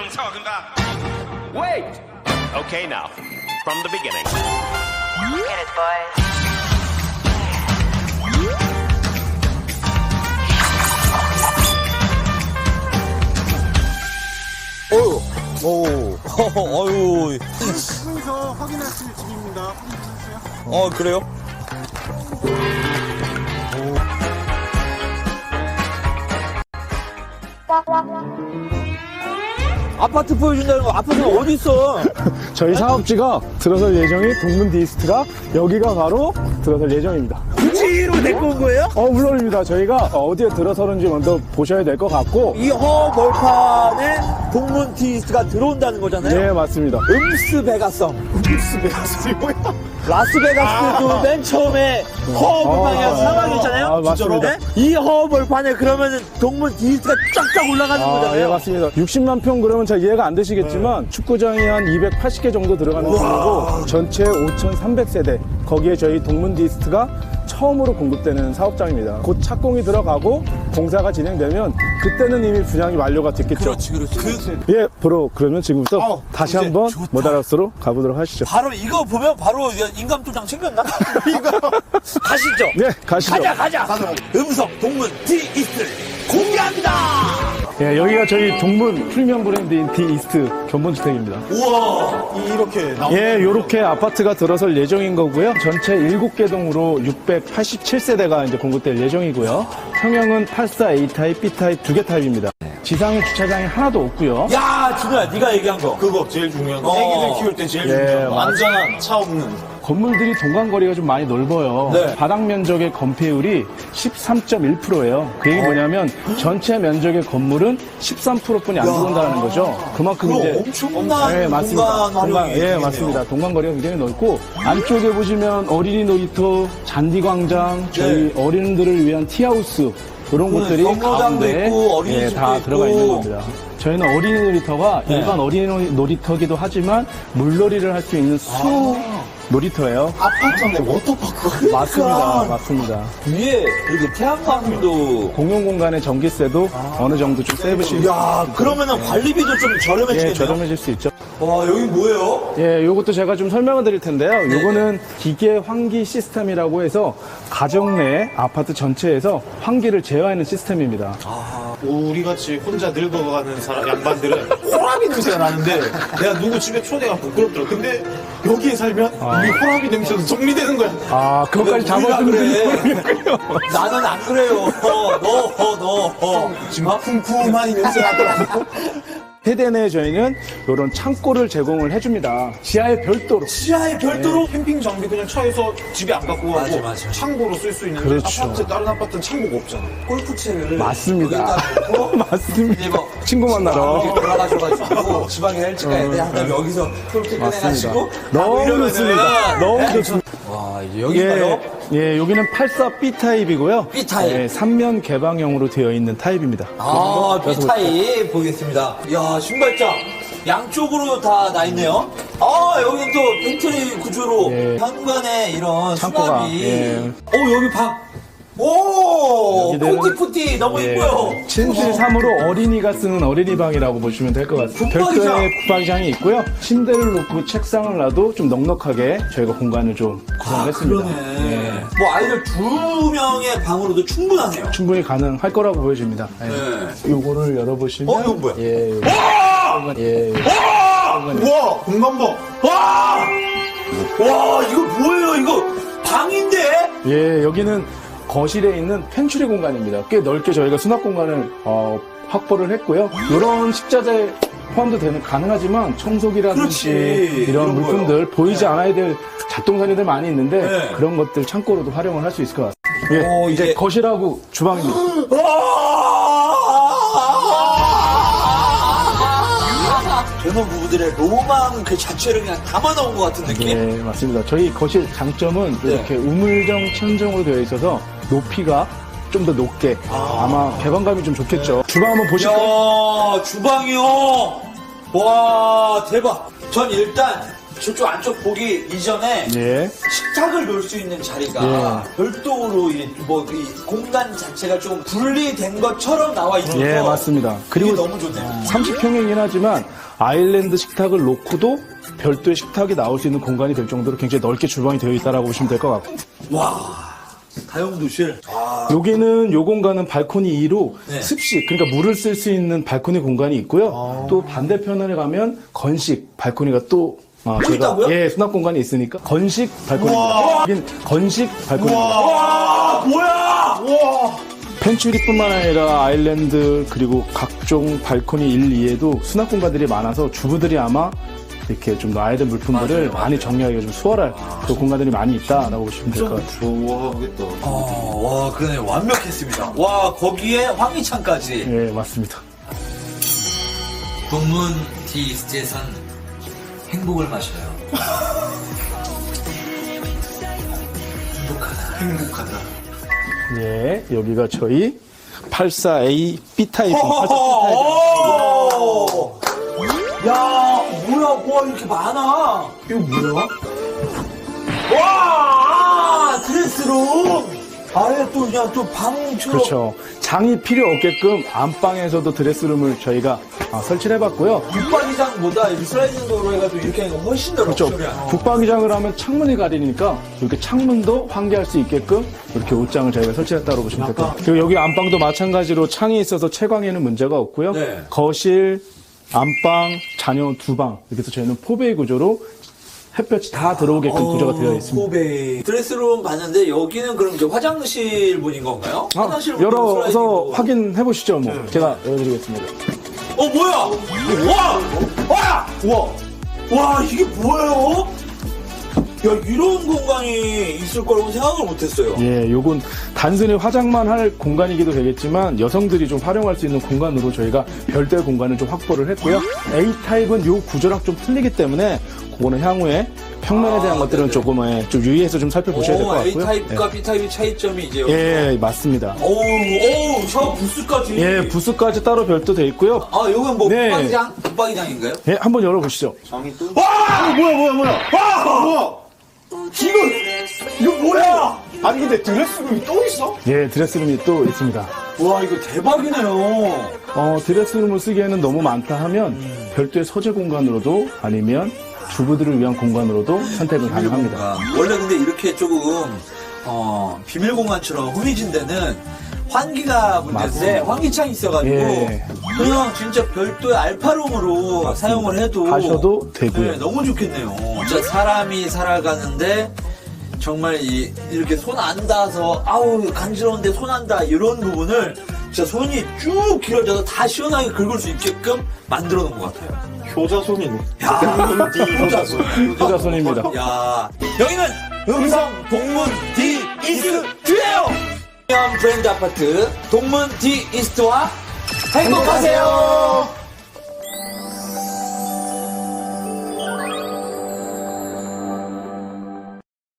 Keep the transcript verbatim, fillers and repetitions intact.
I'm talking about. Wait! Okay, now, from the beginning. Get it, boys. 오, 오, 어유. 하면서 확인하실 집입니다. 확인하세요. 어, 그래요? 아파트 보여준다는 거, 아파트가 어디 있어? 저희 사업지가 들어설 예정인 동문 디스트가 여기가 바로 들어설 예정입니다. 굳이로 데리고 온 거예요? 어, 물론입니다. 저희가 어디에 들어서는지 먼저 보셔야 될 것 같고. 이 허벌판에 동문 디스트가 들어온다는 거잖아요? 네, 맞습니다. 음스 베가성. 음스 베가스이 뭐야? 라스베가스도 아. 맨 처음에 허벌판이랑 아. 사막이 있잖아요? 아, 맞습니다. 네? 이 허벌판에 그러면은 동문 디스트가 쫙쫙 올라가는 아, 거잖아요? 예, 맞습니다. 육십만 평 그러면 잘 이해가 안 되시겠지만 축구장이 한 이백팔십 개 정도 들어가는 곳이고 전체 오천삼백 세대 거기에 저희 동문 디스트가 처음으로 공급되는 사업장입니다. 곧 착공이 들어가고 공사가 진행되면 그때는 이미 분양이 완료가 됐겠죠. 그렇지, 그렇지. 그, 예, 바로 그러면 지금부터 어, 다시 이제 한번 좋다. 모다라스로 가보도록 하시죠. 바로 이거 보면 바로 인감도장 챙겼나? 이거 가시죠. 네, 가시죠. 가자, 가자. 음성 동문 디스트 공개합니다. 예, 여기가 저희 동문 프리미엄 브랜드인 디이스트 견본주택입니다. 우와, 이렇게 나오. 예, 요렇게 아파트가 들어설 예정인 거고요. 전체 일곱 개 동으로 육백팔십칠 세대가 이제 공급될 예정이고요. 평형은 팔십사 에이 타입, B 타입 두 개 타입입니다. 지상에 주차장이 하나도 없고요. 야, 진우야, 네가 얘기한 거. 그거 제일 중요한 거. 어. 애기들 키울 때 제일 예, 중요한 거. 맞- 안전한 차 없는. 건물들이 동간거리가 좀 많이 넓어요. 네. 바닥 면적의 건폐율이 십삼 점 일 퍼센트예요. 그 얘기 뭐냐면 전체 면적의 건물은 십삼 퍼센트뿐이 안 들어온다는 거죠. 그만큼 그럼 이제 엄청난 네, 맞습니다. 공간 활용이 예, 되겠네요. 맞습니다. 동간거리가 굉장히 넓고 안쪽에 보시면 어린이 놀이터, 잔디광장, 저희 어린이들을 위한 티하우스 이런 그 곳들이 경로당도 가운데 있고, 어린이집도 예, 다 있고. 들어가 있는 겁니다. 저희는 어린이 놀이터가 네. 일반 어린이 놀이터기도 하지만 물놀이를 할 수 있는 수 놀이터예요. 아파트 안에 워터파크가. 맞습니다. 맞습니다. 위에 이렇게 태양광도. 공용 공간의 전기세도 어느 정도 좀 세이브실 수 야, 그러면은 관리비도 좀 예, 저렴해지겠네요. 저렴해질 수 있죠. 와, 여기 뭐예요? 예, 요것도 제가 좀 설명을 드릴 텐데요. 요거는 기계 환기 시스템이라고 해서 가정 내 아파트 전체에서 환기를 제어하는 시스템입니다. 우리 같이 혼자 늙어가는 사람, 양반들은 호라비 냄새가 나는데 내가 누구 집에 초대가 부끄럽더라. 근데 여기에 살면 이 호라비 냄새도 정리되는 거야. 아, 그것까지 우리가 잡아주는 그래. 분이 나는 안 그래요. 어, 너, 어, 너, 어. 지금 쿰쿰한 이 냄새 나더라고. 세대 내에 저희는 이런 창고를 제공을 해줍니다. 지하에 별도로. 지하에 별도로? 캠핑 장비 그냥 차에서 집에 안 갖고 가고 맞아, 맞아. 창고로 쓸 수 있는데 그렇죠. 아파트 다른 아파트는 창고가 없잖아. 골프채를. 맞습니다. 여기다 놓고 맞습니다. 이제 뭐 친구 만나러. 여기 올라가셔가지고 지방에 일찍 가야 돼. 하다가 여기서 골프 맞습니다. 꺼내가지고. 너무 좋습니다. 너무 좋습니다. 와, 이제 여기가요? 예, 예, 여기는 팔십사 비 타입이고요. B 타입. 예, 삼 면 개방형으로 되어 있는 타입입니다. 아, B타입 보겠습니다. 이야, 신발장. 양쪽으로 다 나 있네요. 아, 여기 또 벤트리 구조로 예. 현관에 이런 창고가, 수납이. 예. 오, 여기 방. 오, 여기는- 푸티푸티 너무 예, 이뻐요. 침실 삼 호로 어린이가 쓰는 어린이 방이라고 보시면 될 것 같습니다. 붙박이장. 별도의 붙박이장이 있고요. 침대를 놓고 책상을 놔도 좀 넉넉하게 저희가 공간을 좀 구성했습니다. 그러네. 예, 뭐 아이들 두 명의 방으로도 충분하네요. 충분히 가능할 거라고 보여집니다. 예. 네. 요거를 열어보시면 어, 이건 뭐야? 예, 요거. 예, 요거. 우와, 공간 봐. 와! 와, 이거 뭐예요? 이거 방인데? 예, 여기는 거실에 있는 펜츄리 공간입니다. 꽤 넓게 저희가 수납 공간을 어, 확보를 했고요. 이런 식자재 포함도 되는 가능하지만 청소기라든지 그렇지. 이런 이런 물품들 거요. 보이지 않아야 될 잡동사니들 많이 있는데 네. 그런 것들 창고로도 활용을 할 수 있을 것 같습니다. 예, 오, 이제 이게- 거실하고 주방입니다. 젊은 부부들의 로망 그 자체를 그냥 담아놓은 것 같은 느낌? 네, 맞습니다. 저희 거실 장점은 네. 이렇게 우물정 천정으로 되어 있어서 높이가 좀 더 높게 아. 마 개방감이 좀 좋겠죠. 주방 한번 보실까요? 야, 주방이요. 와, 대박. 전 일단 저쪽 안쪽 보기 이전에 예. 식탁을 놓을 수 있는 자리가 예. 별도로 이, 뭐, 이 공간 자체가 좀 분리된 것처럼 나와 있어서 예, 맞습니다. 그리고 이게 너무 좋네요. 삼십 평이긴 하지만 아일랜드 식탁을 놓고도 별도의 식탁이 나올 수 있는 공간이 될 정도로 굉장히 넓게 주방이 되어 있다라고 보시면 될 것 같고. 와, 다용도실. 아, 여기는 요 공간은 발코니 이로 네. 습식, 그러니까 물을 쓸 수 있는 발코니 공간이 있고요. 또 반대편에 가면 건식 발코니가 또 아, 또 있다고요? 예, 수납 공간이 있으니까 건식 발코니입니다. 여긴 건식 발코니입니다. 와, 뭐야! 와. 펜츄리뿐만 아니라 아일랜드 그리고 각종 발코니 일, 이에도 수납 공간들이 많아서 주부들이 아마 이렇게 좀 놔야 될 물품들을 맞아요, 많이 맞아요. 정리하기가 좀 수월할 그 공간들이 많이 있다라고 보시면 될 것 같아요. 좋아하겠다. 어, 와, 그러네. 완벽했습니다. 와, 거기에 황희찬까지. 예, 맞습니다. 동문 디이스트에선 행복을 마셔요. 행복하다. 행복하다. 예, 여기가 저희 팔십사 에이 B 타입. 오! 야, 뭐야, 와, 이렇게 많아. 이거 뭐야? 와, 드레스룸. 아예 또 그냥 또 방처럼. 그렇죠. 장이 필요 없게끔 안방에서도 드레스룸을 저희가 아, 설치를 해봤고요. 북방이장보다 이 슬라이딩 도로 해가지고 이렇게 하니까 훨씬 더 그렇죠. 럭셔리한. 북방위장을 하면 창문이 가리니까 이렇게 창문도 환기할 수 있게끔 이렇게 옷장을 저희가 설치했다고 보시면 될 것 같아요. 그리고 여기 안방도 마찬가지로 창이 있어서 채광에는 문제가 없고요. 네. 거실, 안방, 자녀 두 방 이렇게 해서 저희는 포베이 구조로 햇볕이 다 들어오게끔 구조가 되어 있습니다. 포베이. 드레스룸 봤는데 여기는 그럼 이제 화장실 분인 건가요? 아, 화장실 분은 열어서 슬라이딩으로. 확인해 보시죠. 뭐 제가 열어드리겠습니다. 어, 뭐야? 와! 와! 와! 와, 이게 뭐예요? 야, 이런 공간이 있을 거라고 생각을 못 했어요. 예, 요건 단순히 화장만 할 공간이기도 되겠지만 여성들이 좀 활용할 수 있는 공간으로 저희가 별도의 공간을 좀 확보를 했고요. 에이 타입은 요 구조랑 좀 틀리기 때문에 그거는 향후에 평면에 대한 아, 것들은 네네. 조금 예, 좀 유의해서 좀 살펴보셔야 될 것 같고요. A타입과 B타입의 차이점이 이제 여기. 예, 예, 맞습니다. 오우, 오우, 저 부스까지. 예, 부스까지 따로 별도 돼 있고요. 아, 요건 뭐, 네. 붙박이장? 붙박이장인가요? 예, 한번 열어보시죠. 장이 또. 와! 뭐야 뭐야 뭐야. 와! 뭐야? 이거, 이거 뭐야? 아니 근데 드레스룸이 또 있어? 예, 드레스룸이 또 있습니다. 와, 이거 대박이네요. 어, 드레스룸을 쓰기에는 너무 많다 하면 별도의 서재 공간으로도 아니면 주부들을 위한 공간으로도 선택은 가능합니다. 공간. 원래 근데 이렇게 조금 어, 비밀 공간처럼 흐미진 데는 환기가 문제인데 맞습니다. 환기창이 있어가지고 예. 그냥 진짜 별도의 알파룸으로 사용을 해도 하셔도 되고요. 네, 너무 좋겠네요. 진짜 사람이 살아가는데 정말 이, 이렇게 손 안 닿아서 아우 간지러운데 손 안 닿아 이런 부분을 진짜 손이 쭉 길어져서 다 시원하게 긁을 수 있게끔 만들어 놓은 것 같아요. 효자손이네. 야, 효자손. 효자손입니다. 야, 여기는 음성 동문 디 이스트예요. 프리미엄 브랜드 아파트 동문 디 이스트와 행복하세요.